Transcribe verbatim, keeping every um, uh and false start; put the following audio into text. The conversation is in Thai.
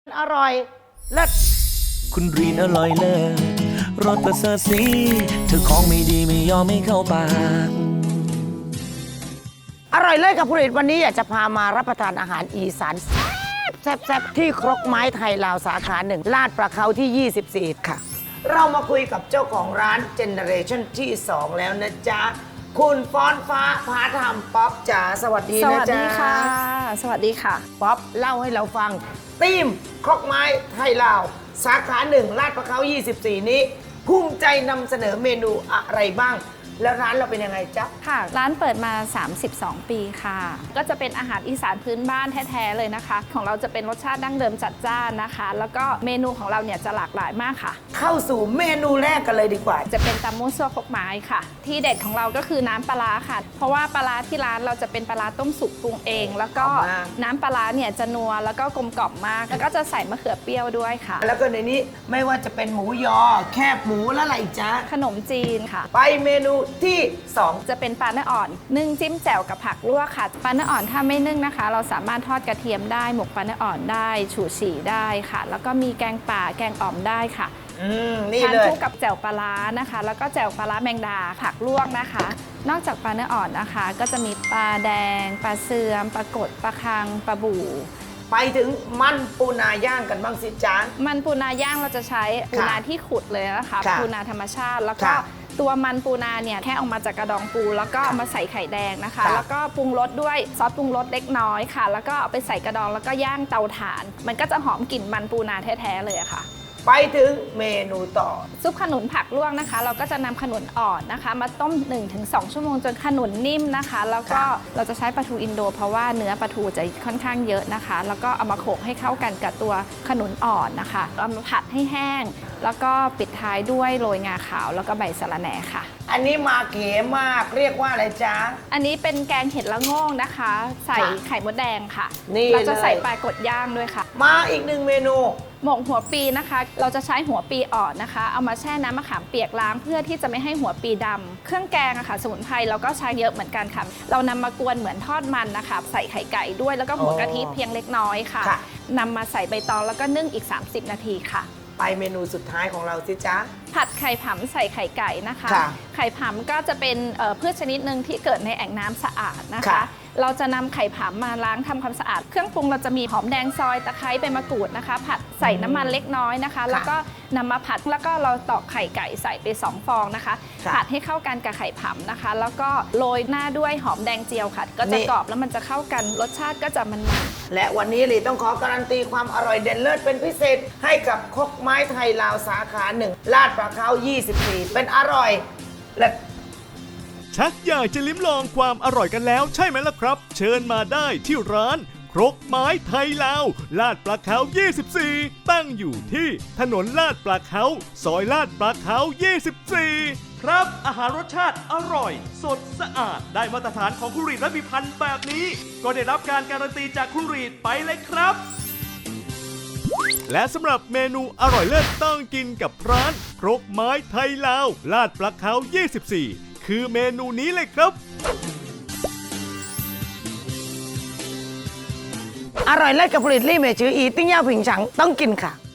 อร่อยเลิศคุณรีนอร่อยเลิศรสประเสริฐสีเธอของไม่ดีไม่ยอมไม่เข้าปากอร่อยเลิศกับผลิตวันนี้อยากจะพามารับประทานอาหารอีสานแซ่บแซ่บแซ่บที่ครกไม้ไทยลาวสาขาหนึ่งลาดประเขาที่ ยี่สิบสี่ ค่ะ เรามาคุยกับเจ้าของร้านเจเนอเรชั่นที่ สอง แล้วนะจ๊ะ คุณฟ้อนฟ้าพาธรรมป๊อปจ๋าสวัสดีสนะวัสจ๊ะดีค่ะ สวัสดีค่ะป๊อปเล่าให้เราฟังทีมครกไม้ไทยลาว สาขาหนึ่งลาดประเขา ยี่สิบสี่ นี้ ภูมิใจนำเสนอเมนูอะไรบ้าง แล้วร้านเราเป็นยังไงจ๊ะค่ะ ร้านเปิดมา สามสิบสอง ปีค่ะ ก็จะเป็นอาหารอีสานพื้นบ้านแท้ๆเลยนะคะ ของเราจะเป็นรสชาติดั้งเดิมจัดจ้านนะคะ แล้วก็เมนูของเราเนี่ยจะหลากหลายมากค่ะเข้าสู่เมนูแรกกันเลยดีกว่าจะเป็นตำมูซั่วครกไม้ค่ะ ที่เด็ดของเราก็คือน้ำปลาร้าค่ะ เพราะว่าปลาร้าที่ร้านเราจะเป็นปลาร้าต้มสุกปรุงเอง แล้วก็เอามาน้ำปลาร้าเนี่ยจะนัวแล้วก็กลมกล่อมมาก แล้วก็จะใส่มะเขือเปรี้ยวด้วยค่ะแล้วก็ในนี้ไม่ว่าจะเป็นหมูยอ แคบหมูแล้วอะไรอีกจ๊ะขนมจีนค่ะไปเมนูที่สองจะเป็นปลาเนื้ออ่อนนึ่งจิ้มแจ่วกับผักลวกค่ะปลาเนื้ออ่อนถ้าไม่นึ่งนะคะ เราสามารถทอดกระเทียมได้หมกปลาเนื้ออ่อนได้ฉู่ฉี่ได้ค่ะ แล้วก็มีแกงป่าแกงอ่อมได้ค่ะอืมนี่ทานเลยคู่กับแจ่วปลาร้านะคะ แล้วก็แจ่วปลาร้าแมงดาผักลวกนะคะ นอกจากปลาเนื้ออ่อนนะคะ ก็จะมีปลาแดงปลาเสื่อมปลากดปลาคังปลาบู่ไปถึงมันปูนาย่างกันบ้างสิจ๊ะมันปูนาย่างเราจะใช้ปูนาที่ขุดเลยนะคะค่ะปูนาธรรมชาติแล้วก็ค่ะตัวมันปูนาเนี่ยแค่ออกมาจากกระดองปู แล้วก็เอามาใส่ไข่แดงนะคะค่ะแล้วก็ปรุงรสด้วยซอสปรุงรสเล็กน้อยค่ะ แล้วก็เอาไปใส่กระดองแล้วก็ย่างเตาถ่าน มันก็จะหอมกลิ่นมันปูนาแท้ๆเลยอะค่ะไปถึงเมนูต่อซุปขนุนผักลวกนะคะ เราก็จะนำขนุนอ่อนนะคะ มาต้ม หนึ่งถึงสอง ชั่วโมงจนขนุนนิ่มนะคะ แล้วก็ค่ะเราจะใช้ปลาทูอินโด เพราะว่าเนื้อปลาทูจะค่อนข้างเยอะนะคะ แล้วก็เอามาโขลกให้เข้ากันกับตัวขนุนอ่อนนะคะเอามาผัดให้แห้ง แล้วก็ปิดท้ายด้วยโรยงาขาวแล้วก็ใบสะระแหน่ค่ะอันนี้มาเก๋มากเรียกว่าอะไรจ๊ะอันนี้เป็นแกงเห็ดละโงงนะคะ ใส่ค่ะไข่มดแดงค่ะนี่เราจะใส่เลยปลากดย่างด้วยค่ะมาอีกหนึ่งเมนูหมกหัวปีนะคะ เราจะใช้หัวปีอ่อนนะคะ เอามาแช่น้ำมะขามเปียกล้างเพื่อที่จะไม่ให้หัวปีดำ เครื่องแกงอะค่ะ สมุนไพรเราก็ใช้เยอะเหมือนกันค่ะ เรานำมากวนเหมือนทอดมันนะคะ ใส่ไข่ไก่ด้วย แล้วก็หัวกะทิเพียงเล็กน้อยค่ะค่ะนำมาใส่ใบตองแล้วก็นึ่งอีก สามสิบ นาทีค่ะไปเมนูสุดท้ายของเราสิจ๊ะผัดไข่ผำใส่ไข่ไก่นะคะค่ะไข่ผำก็จะเป็นเอ่อพืชชนิดหนึ่งที่เกิดในแอ่งน้ำสะอาดนะคะค่ะเราจะนำไข่ผำมาล้างทำความสะอาด เครื่องปรุงเราจะมีหอมแดงซอยตะไคร้ใบมะกรูดนะคะ ผัดใส่น้ำมันเล็กน้อยนะคะ แล้วก็นำมาผัดแล้วก็เราตอกไข่ไก่ใส่ไปสองฟองนะคะค่ะผัดให้เข้ากันกับไข่ผำนะคะ แล้วก็โรยหน้าด้วยหอมแดงเจียวค่ะ ก็จะนี่กรอบแล้วมันจะเข้ากันรสชาติก็จะมันๆและวันนี้ลีต้องขอการันตีความอร่อยเด่นเลิศเป็นพิเศษ ให้กับครกไม้ไทยลาวสาขาหนึ่งลาดประเขา ยี่สิบสี่ เป็นอร่อยและชักอยากจะลิ้มลองความอร่อยกันแล้วใช่ไหมล่ะครับ เชิญมาได้ที่ร้านครกไม้ไทยลาวลาดปลาเขายี่สิบสี่ ตั้งอยู่ที่ถนนลาดปลาเขาซอยลาดปลาเขายี่สิบสี่ ครับอาหารรสชาติอร่อย สดสะอาดได้มาตรฐานของคุณรีดและมีพันธุ์แบบนี้ ก็ได้รับการการันตีจากคุณรีดไปเลยครับ และสำหรับเมนูอร่อยเลิศต้องกินกับร้านครกไม้ไทยลาวลาดปลาเขายี่สิบสี่ คือเมนูนี้เลยครับอร่อยเลิศกับผลิตลี่เมจืออีติ้งย่าผิงฉังต้องกินค่ะ